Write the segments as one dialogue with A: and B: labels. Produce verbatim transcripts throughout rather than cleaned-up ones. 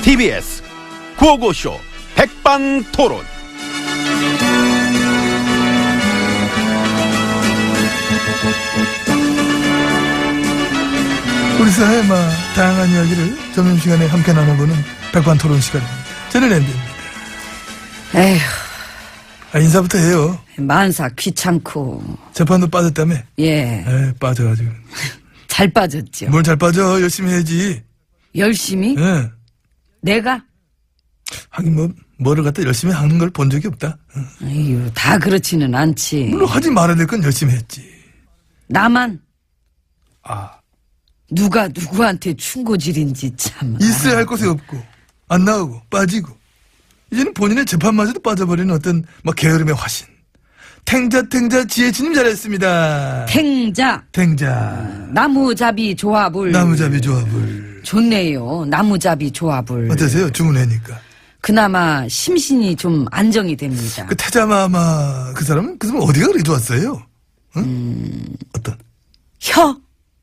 A: 티비에스 구호고쇼 백반토론.
B: 우리 사회의 막 다양한 이야기를 점심시간에 함께 나눠보는 백반토론 시간입니다. 저는 엠비입니다.
C: 에휴,
B: 아, 인사부터 해요.
C: 만사 귀찮고.
B: 재판도 빠졌다며?
C: 예,
B: 에 빠져가지고.
C: 잘 빠졌죠.
B: 뭘 잘 빠져. 열심히 해야지.
C: 열심히?
B: 예.
C: 내가?
B: 하긴 뭐 뭐를 갖다 열심히 하는 걸 본 적이 없다. 응.
C: 에휴, 다 그렇지는 않지.
B: 물론 하지 말아야 될 건 열심히 했지.
C: 나만?
B: 아,
C: 누가 누구한테 충고질인지 참.
B: 있어야 할 곳이 없고 안 나오고 빠지고 이제는 본인의 재판마저도 빠져버리는 어떤 막 게으름의 화신. 탱자 탱자 지혜진님 잘했습니다.
C: 탱자.
B: 탱자
C: 나무잡이 조합을.
B: 나무잡이 조합을.
C: 좋네요. 나무잡이 조합을.
B: 어떠세요? 주문회니까.
C: 그나마 심신이 좀 안정이 됩니다.
B: 그 태자마마 그 사람은 그 사람 어디가 그리 좋았어요? 응?
C: 음...
B: 어떤?
C: 혀.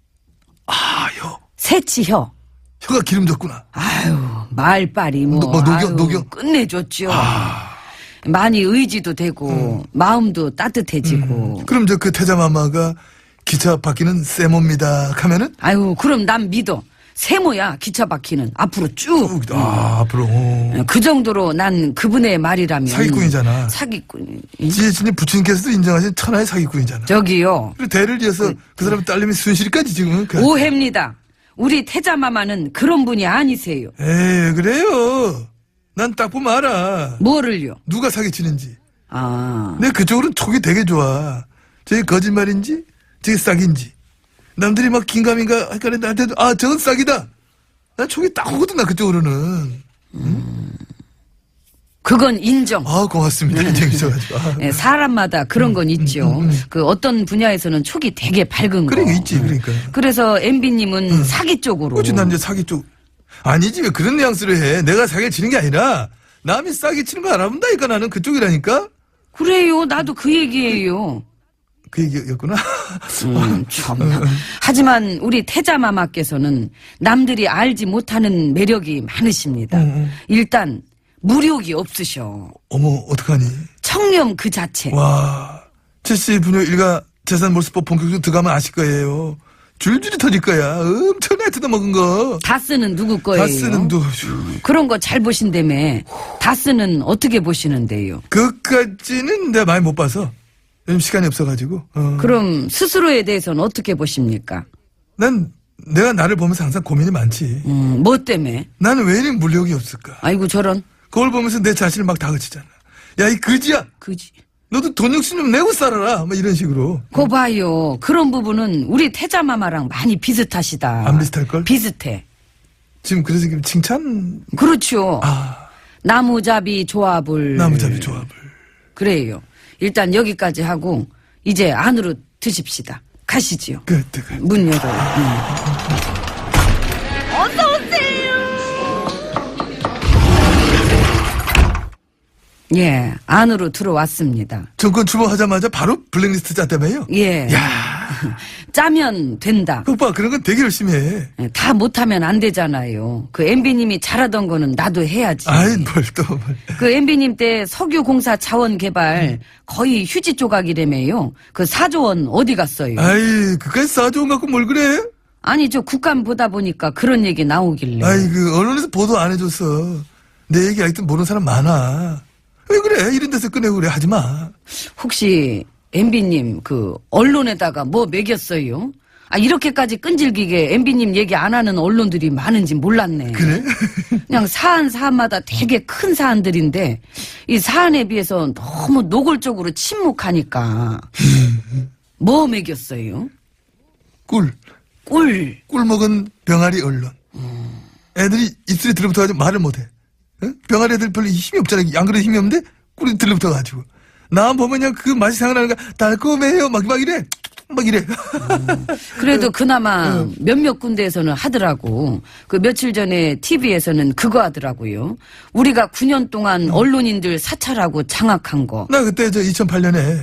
B: 아, 혀.
C: 새치 혀.
B: 혀가 기름졌구나.
C: 아유, 말빨이 뭐,
B: 뭐 녹여,
C: 아유,
B: 녹여?
C: 끝내줬죠.
B: 아.
C: 많이 의지도 되고 마음도 따뜻해지고.
B: 음. 그럼 저 그 태자마마가 기차 바뀌는 세모입니다 하면은?
C: 아유, 그럼 난 믿어. 세모야, 기차 바퀴는 앞으로 쭉.
B: 아, 앞으로. 오.
C: 그 정도로 난 그분의 말이라면.
B: 사기꾼이잖아.
C: 사기꾼.
B: 지혜진님 부친께서도 인정하신 천하의 사기꾼이잖아.
C: 저기요.
B: 그리고 대를 이어서 그 사람 딸내미 순실이까지 지금. 그
C: 오해입니다. 우리 태자마마는 그런 분이 아니세요.
B: 에이, 그래요. 난 딱 보면 알아.
C: 뭐를요?
B: 누가 사기치는지.
C: 아.
B: 내 그쪽으로는 촉이 되게 좋아. 저게 거짓말인지, 저게 싹인지. 남들이 막 긴가민가 할까 나한테도, 아, 저건 싹이다. 난 촉이 딱 오거든, 나 그쪽으로는.
C: 음. 그건 인정.
B: 아, 고맙습니다. 인정해줘가지고. 아.
C: 예, 사람마다 그런 건 있죠.
B: 음, 음.
C: 그 어떤 분야에서는 촉이 되게 밝은 거.
B: 그런 게 있지, 그러니까.
C: 그래서 엠비님은 사기 쪽으로.
B: 그렇지, 난 이제 사기 쪽. 아니지, 왜 그런 뉘앙스를 해. 내가 사기를 치는 게 아니라, 남이 싸게 치는 거 알아본다니까, 나는 그쪽이라니까?
C: 그래요. 나도 그 얘기예요.
B: 그 얘기였구나.
C: 음, 참나. 하지만 우리 태자마마께서는 남들이 알지 못하는 매력이 많으십니다.
B: 음, 음.
C: 일단 무력이 없으셔.
B: 어머, 어떡하니.
C: 청렴 그 자체.
B: 와, 최씨 분녀 일가 재산 몰수법 본격적으로 들어가면 아실 거예요. 줄줄이 터질 거야. 엄청나게 뜯어먹은 거.
C: 다스는 누구 거예요?
B: 다스는 누구.
C: 그런 거 잘 보신다며. 다스는 어떻게 보시는데요?
B: 그까지는 내가 많이 못 봐서. 요즘 시간이 없어가지고. 어.
C: 그럼 스스로에 대해서는 어떻게 보십니까?
B: 난 내가 나를 보면서 항상 고민이 많지.
C: 음, 뭐 때문에?
B: 나는 왜 이리 물력이 없을까?
C: 아이고 저런.
B: 그걸 보면서 내 자신을 막 다그치잖아. 야, 이 거지야.
C: 그지.
B: 너도 돈 욕심 좀 내고 살아라. 뭐 이런 식으로.
C: 거 봐요. 그런 부분은 우리 태자마마랑 많이 비슷하시다.
B: 안 비슷할걸?
C: 비슷해.
B: 지금 그래서 지금 칭찬.
C: 그렇죠.
B: 아,
C: 나무잡이 조합을.
B: 나무잡이 조합을.
C: 그래요. 일단 여기까지 하고 이제 안으로 드십시다. 가시지요.
B: 그, 그, 그.
C: 문 열어요. 음. 예, 안으로 들어왔습니다.
B: 정권 출범하자마자 바로 블랙리스트 짰다며요?
C: 예.
B: 야,
C: 짜면 된다.
B: 그 오빠 그런 건 되게 열심히 해.
C: 예, 다 못하면 안 되잖아요. 그 엠비님이 잘하던 거는 나도 해야지.
B: 아이, 뭘 또, 뭘.
C: 그 엠비님 때 석유공사 자원 개발 거의 휴지 조각이라며요. 그 사조 원 어디 갔어요?
B: 아이, 그까지 싸좋은 갖고 뭘 그래?
C: 아니 저 국감 보다 보니까 그런 얘기 나오길래.
B: 아이, 그, 언론에서 보도 안 해줬어. 내 얘기 아직도 모르는 사람 많아. 왜 그래? 이런 데서 꺼내고 그래. 하지 마.
C: 혹시 엠비님 그 언론에다가 뭐 매겼어요? 아 이렇게까지 끈질기게 엠비님 얘기 안 하는 언론들이 많은지 몰랐네.
B: 그래?
C: 그냥 사안 사안마다 되게 큰 사안들인데 이 사안에 비해서 너무 노골적으로 침묵하니까 뭐 매겼어요?
B: 꿀.
C: 꿀.
B: 꿀 먹은 병아리 언론. 애들이 입술이 들러붙어가지고 말을 못해. 응? 병아리 애들 별로 힘이 없잖아. 안 그래도 힘이 없는데 꿀이 들러붙어가지고. 나 보면 그냥 그 맛이 생각나는 거야. 달콤해요. 막, 막 이래. 막 이래.
C: 음, 그래도 그나마 몇몇 군데에서는 하더라고. 그 며칠 전에 티비에서는 그거 하더라고요. 우리가 구 년 동안 언론인들 사찰하고 장악한 거.
B: 나 그때 저 이천팔 년에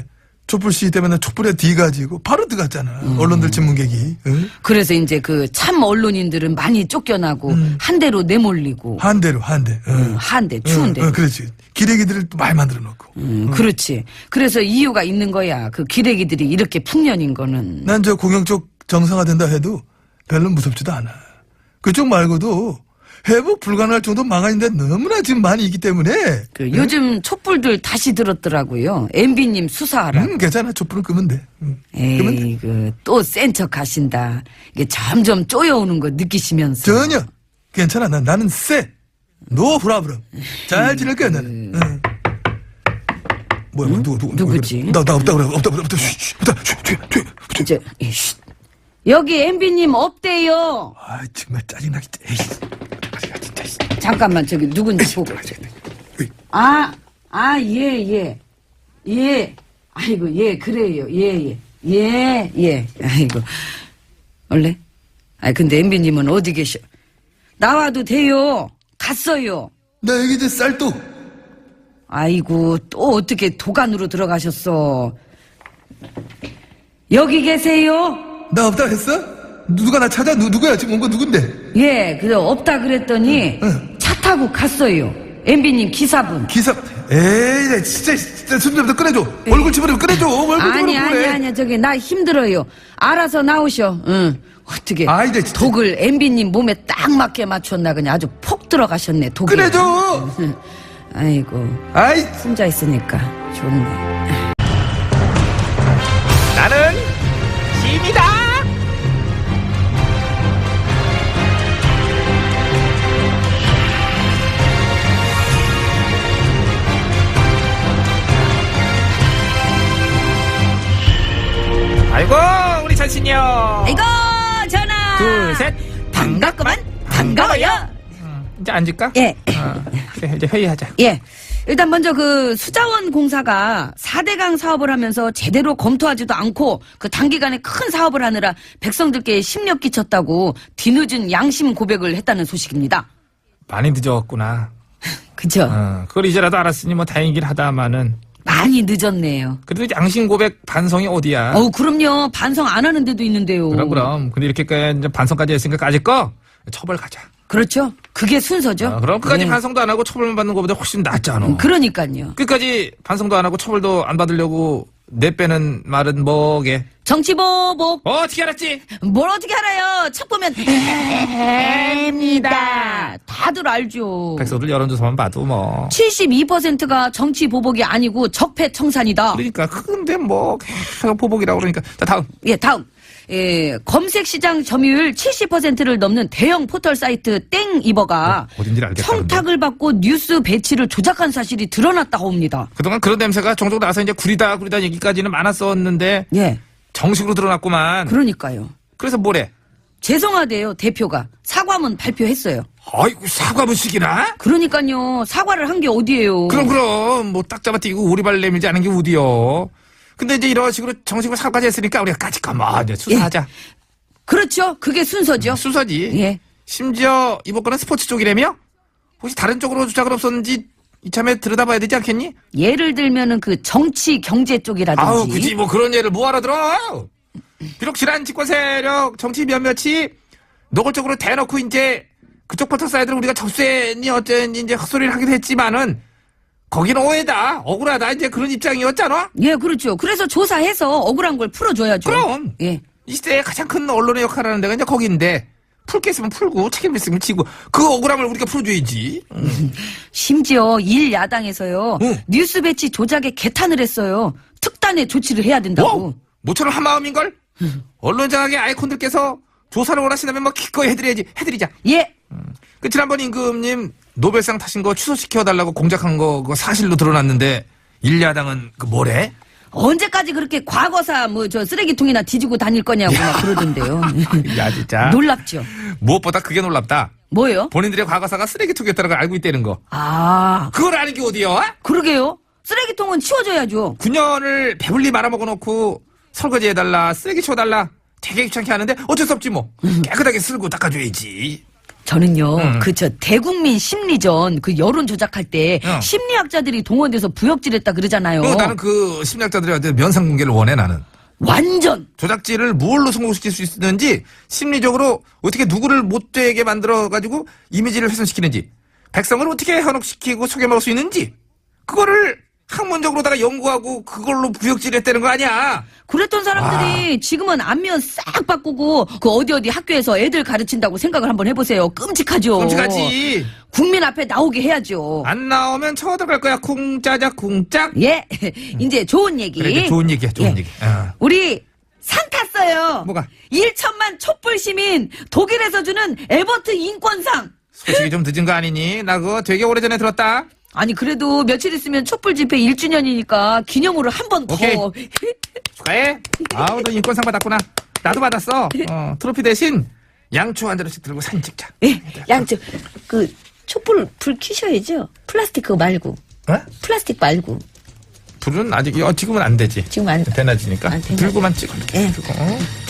B: 촛불 시위 때문에 촛불에 뒤가지고 바로 들어갔잖아.
C: 음.
B: 언론들 신문객이. 응?
C: 그래서 이제 그 참 언론인들은 많이 쫓겨나고
B: 음.
C: 한 대로 내몰리고
B: 한 대로 한 대. 응.
C: 음, 한 대, 추운 대.
B: 응, 응, 그렇지. 기레기들을 또 많이 만들어 놓고.
C: 음, 그렇지. 그래서 이유가 있는 거야. 그 기레기들이 이렇게 풍년인 거는.
B: 난 저 공영 쪽 정상화된다 해도 별로 무섭지도 않아. 그쪽 말고도 회복 불가능할 정도 망한인데 너무나 지금 많이 있기 때문에.
C: 그 요즘 촛불들 다시 들었더라고요. 엠비님 수사하라.
B: 음, 괜찮아. 촛불은 끄면 돼. 응. 끄면 돼.
C: 에이, 그, 또 센 척 하신다. 이게 점점 쪼여오는 거 느끼시면서.
B: 전혀. 괜찮아. 난, 나는 쎄. 노 브라브럼. 잘 지낼 거야, 나는. 응. 뭐야, 뭐, 누구, 누구,
C: 누구지?
B: 나, 나 없다, 그래. 없다, 없다, 없다. 쉬, 쉬, 없다. 쉬, 쉬, 쉬, 쉬.
C: 이제, 이씨. 여기 엠비님 없대요.
B: 아, 정말 짜증나게. 에이. 아, 진짜. 씨.
C: 잠깐만, 저기 누군지 보고.
B: 에이.
C: 아, 아, 예, 예. 예. 아이고, 예, 그래요. 예, 예. 예, 예. 아이고. 원래? 아 근데 엠비님은 어디 계셔? 나와도 돼요. 갔어요.
B: 나 여기 이제 쌀도.
C: 아이고, 또 어떻게 도관으로 들어가셨어? 여기 계세요?
B: 나 없다 했어? 누가 나 찾아? 누, 누구야? 지금 온 거 누군데?
C: 예, 그래, 없다 그랬더니
B: 응.
C: 차 타고 갔어요. 엠비님 기사분.
B: 기사. 에이, 나 진짜, 진짜 손좀 더 꺼내줘. 얼굴 집어넣고 꺼내줘. 얼굴 집어넣고
C: 아니, 아니,
B: 그래.
C: 아니, 저기, 나 힘들어요. 알아서 나오셔. 응. 어떻게.
B: 아이, 나 진짜.
C: 독을 엠비님 몸에 딱 맞게 맞췄나, 그냥 아주 폭 들어가셨네, 독이.
B: 꺼내줘.
C: 아이고,
B: 아이,
C: 혼자 있으니까 좋네.
A: 나는 짐이다.
D: 아이고 우리 찬신이요.
C: 아이고, 전화!
D: 둘, 셋.
C: 반갑구만, 반가워요.
D: 이제 앉을까?
C: 예.
D: 어, 그래, 이제 회의하자.
C: 예. 일단 먼저 그 수자원 공사가 사대강 사업을 하면서 제대로 검토하지도 않고 그 단기간에 큰 사업을 하느라 백성들께 심력 끼쳤다고 뒤늦은 양심 고백을 했다는 소식입니다.
D: 많이 늦었구나.
C: 그죠?
D: 어, 그걸 이제라도 알았으니 뭐 다행이긴 하다마는
C: 많이 늦었네요.
D: 그래도 양심 고백 반성이 어디야?
C: 어우, 그럼요. 반성 안 하는 데도 있는데요.
D: 그럼 그럼. 근데 이렇게까지 이제 반성까지 했으니까 까짓 거 처벌 가자.
C: 그렇죠. 그게 순서죠.
D: 어, 그럼 끝까지
C: 네.
D: 반성도 안 하고 처벌만 받는 것보다 훨씬 낫잖아.
C: 그러니까요.
D: 끝까지 반성도 안 하고 처벌도 안 받으려고 내빼는 말은 뭐게?
C: 정치보복.
D: 어, 어떻게 알았지?
C: 뭘 어떻게 알아요? 책 보면 해입니다. 다들 알죠.
D: 백성들 여론조사만 봐도 뭐.
C: 칠십이 퍼센트가 정치 보복이 아니고 적폐 청산이다.
D: 그러니까 근데 뭐 계속 보복이라고 그러니까. 자 다음.
C: 예, 다음. 예, 검색 시장 점유율 칠십 퍼센트를 넘는 대형 포털 사이트 땡이버가
D: 어, 어딘지 알겠다,
C: 청탁을 받고 뉴스 배치를 조작한 사실이 드러났다고 합니다.
D: 그동안 그런 냄새가 종종 나서 이제 구리다 구리다 얘기까지는 많았었는데
C: 예,
D: 정식으로 드러났구만.
C: 그러니까요.
D: 그래서 뭐래?
C: 죄송하대요, 대표가. 사과문 발표했어요.
D: 아이고 사과문식이나?
C: 그러니까요, 사과를 한 게 어디예요.
D: 그럼 그럼 뭐 딱 잡아뛰고 오리발 내밀지 않은 게 어디여. 근데 이제 이런 식으로 정식으로 사과까지 했으니까 우리가 까짓 거뭐 이제 수사하자.
C: 그렇죠. 그게 순서죠.
D: 수사지.
C: 예.
D: 심지어 이번 건은 스포츠 쪽이라며? 혹시 다른 쪽으로 주작은 없었는지 이참에 들여다봐야 되지 않겠니?
C: 예를 들면은 그 정치 경제 쪽이라든지.
D: 아우 굳이 뭐 그런 예를 뭐하러 들어. 비록 지난 집권 세력 정치 몇몇이 노골적으로 대놓고 이제 그쪽 포털 사이트를 우리가 접수했니 어쩌니 이제 헛소리를 하기도 했지만은 거기는 오해다 억울하다 이제 그런 입장이었잖아.
C: 예, 그렇죠. 그래서 조사해서 억울한 걸 풀어줘야죠.
D: 그럼
C: 예.
D: 이 시대에 가장 큰 언론의 역할을 하는 데가 이제 거기인데 풀 게 있으면 풀고 책임 있으면 지고 그 억울함을 우리가 풀어줘야지. 응.
C: 심지어 일 야당에서요.
D: 응.
C: 뉴스 배치 조작에 개탄을 했어요. 특단의 조치를 해야 된다고.
D: 뭐? 모처럼 한 마음인걸? 언론 장악의 아이콘들께서 조사를 원하신다면 뭐 기꺼이 해드려야지. 해드리자.
C: 예.
D: 그 지난번 임금님 노벨상 타신 거 취소시켜달라고 공작한 거 그거 사실로 드러났는데 일야당은 그 뭐래?
C: 언제까지 그렇게 과거사 뭐 저 쓰레기통이나 뒤지고 다닐 거냐고 막 그러던데요.
D: 야 진짜
C: 놀랍죠.
D: 무엇보다 그게 놀랍다.
C: 뭐요?
D: 본인들의 과거사가 쓰레기통이었다는 걸 알고 있다는 거.
C: 아,
D: 그걸 아는 게 어디야?
C: 그러게요. 쓰레기통은 치워줘야죠.
D: 구 년을 배불리 말아먹어 놓고 설거지 해달라 쓰레기 치워달라 되게 귀찮게 하는데 어쩔 수 없지 뭐 깨끗하게 쓸고 닦아줘야지.
C: 저는요,
D: 음.
C: 그 저 대국민 심리전 그 여론 조작할 때
D: 어.
C: 심리학자들이 동원돼서 부역질했다 그러잖아요.
D: 그리고 나는 그 심리학자들한테 면상 공개를 원해 나는.
C: 완전
D: 조작질을 뭘로 성공시킬 수 있는지 심리적으로 어떻게 누구를 못되게 만들어가지고 이미지를 훼손시키는지 백성을 어떻게 현혹시키고 속여먹을 수 있는지 그거를 학문적으로다가 연구하고 그걸로 부역질했다는 거 아니야.
C: 그랬던 사람들이 지금은 안면 싹 바꾸고 그 어디 어디 학교에서 애들 가르친다고 생각을 한번 해보세요. 끔찍하죠.
D: 끔찍하지.
C: 국민 앞에 나오게 해야죠.
D: 안 나오면 쳐들어갈 거야. 쿵짜작 쿵짝.
C: 예, 이제 좋은 얘기.
D: 그래, 이제 좋은 얘기야. 좋은
C: 예.
D: 얘기. 어.
C: 우리 상 탔어요.
D: 뭐가?
C: 일천만 촛불 시민 독일에서 주는 에버트 인권상.
D: 소식이 좀 늦은 거 아니니? 나 그거 되게 오래전에 들었다.
C: 아니 그래도 며칠 있으면 촛불 집회 일 주년이니까 기념으로 한 번 더.
D: 오케이. 축하해. 아우, 너 인권상 받았구나. 나도 받았어. 어, 트로피 대신 양초 한 자루씩 들고 사진 찍자.
C: 예, 양쪽 그 촛불 불 켜셔야죠. 플라스틱 그거 말고.
D: 어?
C: 플라스틱 말고.
D: 불은 아직, 어, 지금은 안 되지.
C: 지금 안
D: 대낮이니까.
C: 안 되나?
D: 들고만 찍어. 이렇게
C: 예.
D: 들고. 어?